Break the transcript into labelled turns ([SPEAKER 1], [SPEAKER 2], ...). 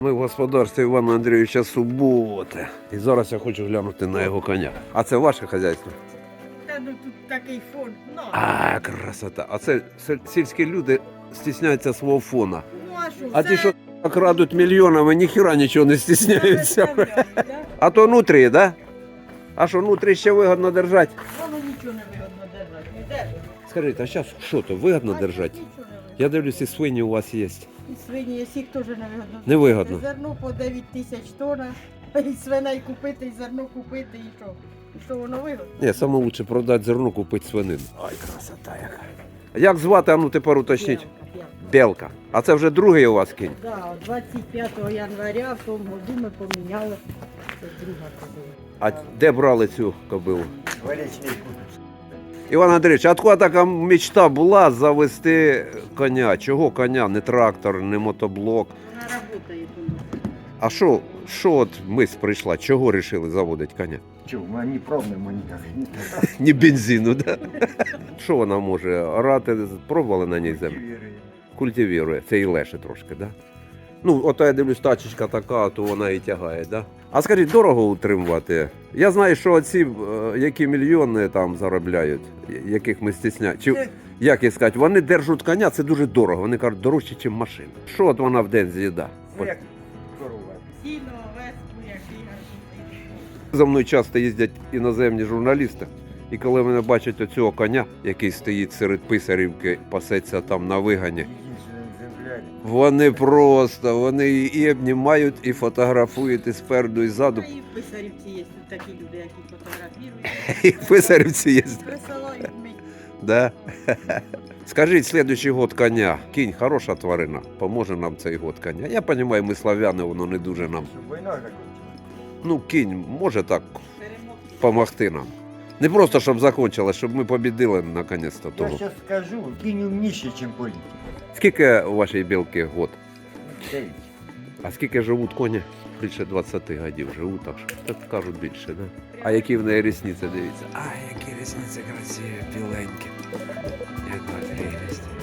[SPEAKER 1] Ми в господарстві Івана Андрійовича Суботи. І зараз я хочу глянути на його коня. А це ваше хазяйство?
[SPEAKER 2] Та ну тут такий фон. Ну,
[SPEAKER 1] А, красота. А це сільські люди стісняються свого фона.
[SPEAKER 2] ну а що?
[SPEAKER 1] А ті, що крадуть мільйонами, ніхіра нічого не стісняються.
[SPEAKER 2] Да?
[SPEAKER 1] А то нутрі, да? А що, нутрі ще вигодно держати?
[SPEAKER 2] Воно нічого не вигодно держати. Не держить.
[SPEAKER 1] Скажіть, а зараз що то, вигодно держати?
[SPEAKER 2] Нічого не вигодно.
[SPEAKER 1] Я дивлюсь, і свині у вас є.
[SPEAKER 2] І свині, і сік теж не вигодно.
[SPEAKER 1] Невигодно.
[SPEAKER 2] Зерно по 9 тисяч тонн, і свиней купити, і зерно купити, і що? І що воно вигодно?
[SPEAKER 1] Ні, саме лучше продати зерно, купити свинину. Ой, красота яка. Як звати, а ну тепер уточніть? Белка. А це вже другий у вас кінь?
[SPEAKER 2] Да, 25 января в тому году ми поміняли. Це друга кобила.
[SPEAKER 1] А де брали цю кобилу?
[SPEAKER 3] Варечний купець.
[SPEAKER 1] Іван Андрійович, а откуда така мечта була завести коня? Чого коня? Не трактор, не мотоблок.
[SPEAKER 2] Вона працює тут.
[SPEAKER 1] А що от мисль прийшла? Чого вирішили заводити коня?
[SPEAKER 3] Чого, ми не пробуємо ніяк.
[SPEAKER 1] Ні бензину, да? Що вона може? Орати, пробували на ній землю? Культивірує. Це і леше трошки, да? Ну, ото я дивлюсь, тачечка така, то вона і тягає, да? А скажіть, дорого утримувати? Я знаю, що оці, які мільйони там заробляють, яких ми стісняємо. Чи, як їх сказати, вони держать коня, це дуже дорого. Вони кажуть, дорожче, ніж машина. Що от вона в день з'їда?
[SPEAKER 3] Ну, як корова.
[SPEAKER 2] Сіно, веску, який гарний.
[SPEAKER 1] За мною часто їздять іноземні журналісти. І коли мене бачать оцього коня, який стоїть серед Писарівки, пасеться там на вигані,
[SPEAKER 3] Єдинственний екземпляр.
[SPEAKER 1] вони і обнімають, і фотографують і спереду, і ззаду.
[SPEAKER 2] А і в Писарівці є тут такі люди, які фотографують.
[SPEAKER 1] І в Писарівці є.
[SPEAKER 2] Присилають мені.
[SPEAKER 1] Да? Скажіть, слідуючий год коня. Кінь хороша тварина, поможе нам цей год коня. Я розумію, ми славяни, воно не дуже нам.
[SPEAKER 3] Щоб війна закінчилась.
[SPEAKER 1] Ну, кінь може так
[SPEAKER 2] Перемог.
[SPEAKER 1] допомогти нам. Не просто, щоб закінчилось, щоб ми побідили наконець-то
[SPEAKER 3] Я
[SPEAKER 1] того.
[SPEAKER 3] зараз скажу, кінь умніший, ніж політик.
[SPEAKER 1] Скільки у вашій білки год?
[SPEAKER 3] 9.
[SPEAKER 1] А скільки живуть коні? Більше 20 років живуть, так що так кажуть більше, да? А які в неї рісниці, дивіться. А, які рісниці красиві, біленькі. Яка прелість.